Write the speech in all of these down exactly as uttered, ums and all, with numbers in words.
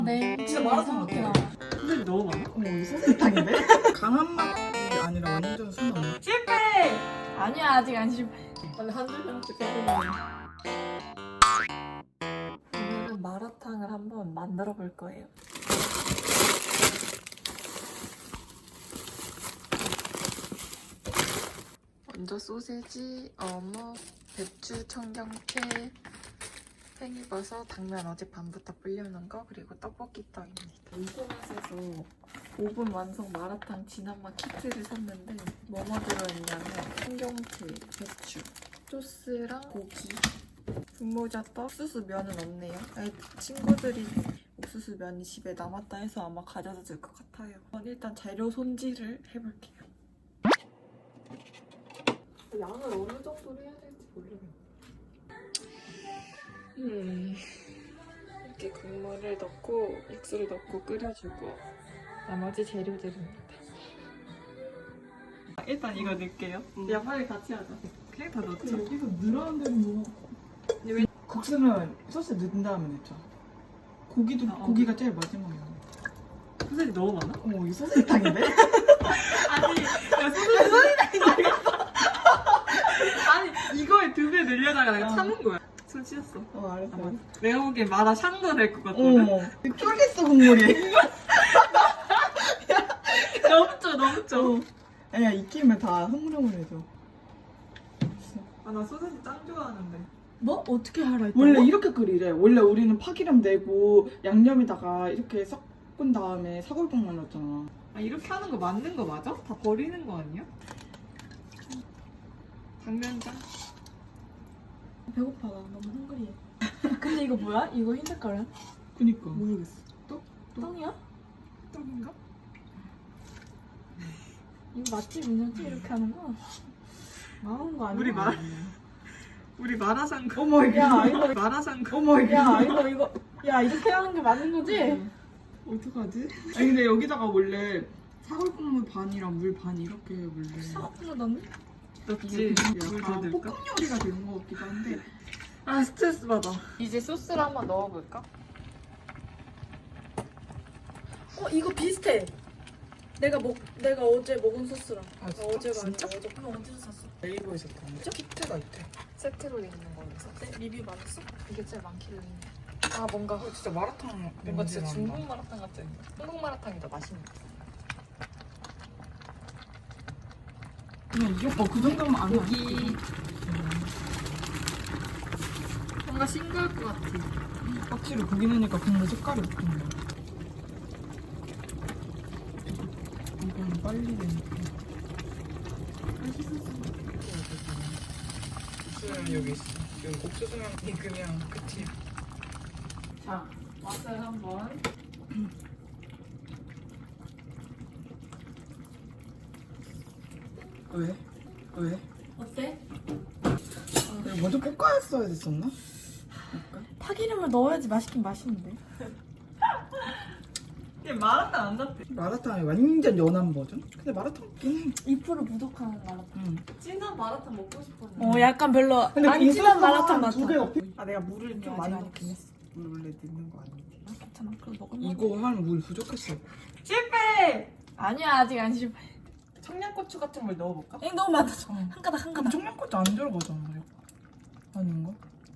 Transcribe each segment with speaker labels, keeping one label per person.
Speaker 1: 네.
Speaker 2: 진짜 마라탕 같아.
Speaker 3: 근데 너무 많아.
Speaker 2: 어머 이거 소세탕인데? 강한 맛이 아니라 완전 순한 맛.
Speaker 3: 실패!
Speaker 1: 아니야, 아직 안 실패.
Speaker 3: 아니 한 줄평씩 해보면
Speaker 1: 오늘은 마라탕을 한번 만들어 볼 거예요. 먼저 소세지, 어묵, 배추, 청경채, 팽이버섯, 당면 어제 밤부터 불려놓은 거, 그리고 떡볶이 떡입니다. 인터넷에서 오 분 완성 마라탕 진한맛 키트를 샀는데 뭐뭐 들어있냐면 청경채, 배추, 소스랑 고기, 분모자떡, 옥수수 면은 없네요. 아니, 친구들이 옥수수 면이 집에 남았다 해서 아마 가져다 줄 것 같아요. 저는 일단 재료 손질을 해볼게요. 양을 어느 정도로 해야 될지 모르겠네. 음, 이렇게 국물을 넣고 육수를 넣고 끓여주고 나머지 재료들입니다. 일단 이거 넣을게요.
Speaker 3: 음.
Speaker 1: 야, 빨리 같이 하자.
Speaker 3: 그냥 다 넣자.
Speaker 2: 여기서 늘어난 데는 뭐? 국수는 소스 넣은 다음에 넣죠. 고기도
Speaker 1: 어, 어.
Speaker 2: 고기가 제일 마지막이야.
Speaker 3: 소세지 너무 많아?
Speaker 2: 어머 이거 소세탕인데?
Speaker 3: 아니 야 소세지 아니 이거에 두 배 늘려다가 내가
Speaker 2: 어.
Speaker 3: 참은 거야. 손 씻었어.
Speaker 2: 어 알았어.
Speaker 3: 아, 내가 보기엔 마라 샹궈 될 것 같거든.
Speaker 2: 어머 쫄겠어 국물이.
Speaker 3: 넘쳐 넘쳐.
Speaker 2: 어. 아니야 익히면 다 흐물흐물해져.
Speaker 3: 아 나 소세지 짱 좋아하는데.
Speaker 1: 뭐? 어떻게 하라 했다고?
Speaker 2: 원래 이렇게 끓이래. 원래 우리는 파기름 내고 양념에다가 이렇게 섞은 다음에 사골국만 넣었잖아.
Speaker 3: 아 이렇게 하는 거 맞는 거 맞아? 다 버리는 거 아니야? 당면장.
Speaker 1: 배고파, 나 너무 헝그리해. 근데 이거 뭐야? 이거 흰 색깔이야?
Speaker 2: 그니까.
Speaker 3: 모르겠어. 또?
Speaker 1: 떡이야?
Speaker 3: 떡인가?
Speaker 1: 이거 맛집 인정지 이렇게 하는 거? 나온 거 아니야?
Speaker 3: 우리 마 우리 마라샹궈.
Speaker 2: 어머 이게.
Speaker 1: 야, 이거
Speaker 3: 마라샹궈.
Speaker 2: 어머 이게.
Speaker 1: 야, 이거 이거 야, 이렇게 하는 게 맞는 거지?
Speaker 3: 어떡하지?
Speaker 2: 아니 근데 여기다가 원래 사골국물 반이랑 물 반 이렇게 원래.
Speaker 1: 사과풀로 넣니?
Speaker 3: 넣지.
Speaker 2: 이게
Speaker 3: 물 더
Speaker 2: 약간
Speaker 3: 넣을까?
Speaker 2: 볶음 요리가 되는 것 같기도 한데.
Speaker 3: 아 스트레스 받아.
Speaker 1: 이제 소스를 한번 넣어볼까? 어, 이거 비슷해. 내가 먹 내가 어제 먹은 소스랑.
Speaker 2: 아, 진짜?
Speaker 1: 어제가
Speaker 2: 진짜?
Speaker 1: 아니라 어제. 그거 어디서 샀어?
Speaker 2: 네이버에서 봤는데 키트가 있대.
Speaker 1: 세트로 돼 있는 거를 샀대? 리뷰 많았어? 이게 제일 많길래. 아, 뭔가
Speaker 2: 어, 진짜 마라탕
Speaker 1: 뭔가 진짜
Speaker 2: 냄새
Speaker 1: 중국
Speaker 2: 난다.
Speaker 1: 마라탕 같지 않냐? 한국 마라탕이 더 맛있는 거.
Speaker 2: 그냥 이게 뭐그 정도면 안 해.
Speaker 1: 고기 뭔가 싱거울 것 같아.
Speaker 2: 확실히 고기 넣으니까 국물 색깔이 바뀐다. 이건 빨리 되니까. 옥수수는 여기 있어. 지금 옥수수만 익으면 끝이야.
Speaker 1: 자, 맛을 한번.
Speaker 2: 왜? 왜?
Speaker 1: 어때?
Speaker 2: 이거 먼저 볶아야 됐었나?
Speaker 1: 파기름을 넣어야지 맛있긴 맛있는데.
Speaker 3: 얘 마라탕 안 같아.
Speaker 2: 마라탕이 완전 연한 버전? 근데 마라탕 있긴 해.
Speaker 1: 이 퍼센트 부족한 마라탕.
Speaker 2: 응.
Speaker 3: 진한 마라탕 먹고 싶었는데.
Speaker 1: 어, 약간 별로
Speaker 2: 근데
Speaker 1: 안
Speaker 2: 이
Speaker 1: 진한
Speaker 2: 소스가
Speaker 1: 마라탕 맛.
Speaker 2: 두개 옆에. 아 내가 물을
Speaker 1: 아직
Speaker 2: 좀 많이
Speaker 1: 안
Speaker 2: 넣긴
Speaker 1: 익었어.
Speaker 2: 했어. 물 원래 넣는 거 아닌데.
Speaker 1: 괜찮아, 그럼 먹을만.
Speaker 2: 이거 한 물 부족했어.
Speaker 3: 실패!
Speaker 1: 아니야, 아직 안 실패.
Speaker 3: 청양고추 같은 걸 넣어볼까?
Speaker 1: 엥, 너무 많다.
Speaker 2: 어.
Speaker 1: 한 가닥 한
Speaker 2: 그럼
Speaker 1: 가닥.
Speaker 2: 청양고추 안 들어가잖아. 아닌가?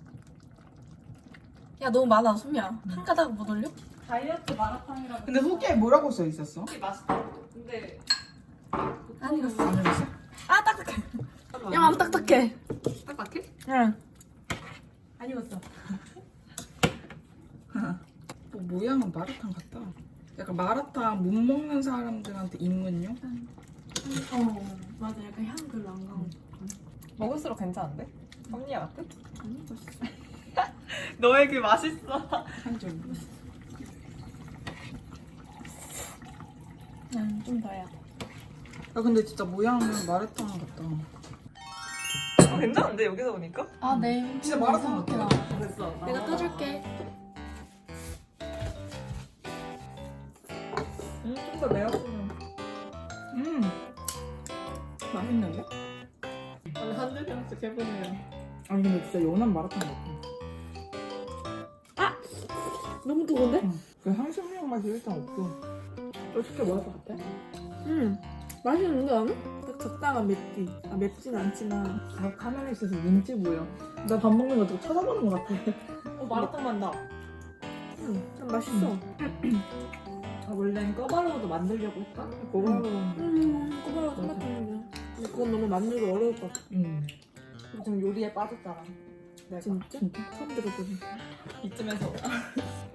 Speaker 1: 야, 너무 많아, 소미야. 한 가닥 못 올려? 다이어트 마라탕이라고.
Speaker 2: 근데 후기에 뭐라고 써 있었어?
Speaker 3: 맛있다. 근데
Speaker 1: 안 익었어.
Speaker 2: 안 읽었어?
Speaker 1: 아, 딱딱해. 야, 안 딱딱해.
Speaker 3: 딱딱해?
Speaker 1: 응. 안 익었어.
Speaker 2: 뭐 모양은 마라탕 같다. 약간 마라탕 못 먹는 사람들한테 입문용?
Speaker 1: 어, 맞아. 약간 향 별로 안 가고.
Speaker 3: 먹을수록 괜찮은데? 섭리야 같아?
Speaker 1: 안 익었어.
Speaker 3: 너에게 맛있어.
Speaker 2: 한줄
Speaker 1: 응, 좀 더 해야 돼.
Speaker 2: 야 근데 진짜 모양은 마라탕 같다.
Speaker 3: 어, 괜찮은데 여기서 보니까?
Speaker 1: 아, 네.
Speaker 2: 진짜 마라탕 같아.
Speaker 3: 됐어.
Speaker 1: 내가 떠줄게.
Speaker 3: 음, 좀 더 매웠으면.
Speaker 2: 음 맛있는데?
Speaker 3: 아니 한 줄평씩 해보면.
Speaker 2: 아니 근데 진짜 연한 마라탕 같아.
Speaker 1: 너무 뜨거운데?
Speaker 2: 응. 그 향신료 맛이 일단 없어.
Speaker 3: 어떻게 먹을 것 같아?
Speaker 4: 음 맛있는데 나는? 딱 적당한 맵기. 아 맵진 않지만.
Speaker 2: 아 카메라 있어서 눈치 보여. 나 밥 먹는 거 좀 쳐다보는 것 같아.
Speaker 3: 어 마라탕 만다.
Speaker 4: 음, 참 맛있어.
Speaker 3: 아 원래는 꺼바로우도 만들려고 했다.
Speaker 2: 고마워.
Speaker 4: 음 꼬바로 생각했는데. 근데 그건 너무 만들기 어려울 것 같아.
Speaker 2: 응.
Speaker 3: 지금 요리에 빠졌잖아. 내가
Speaker 4: 진짜? 처음 들어보니.
Speaker 3: 이쯤에서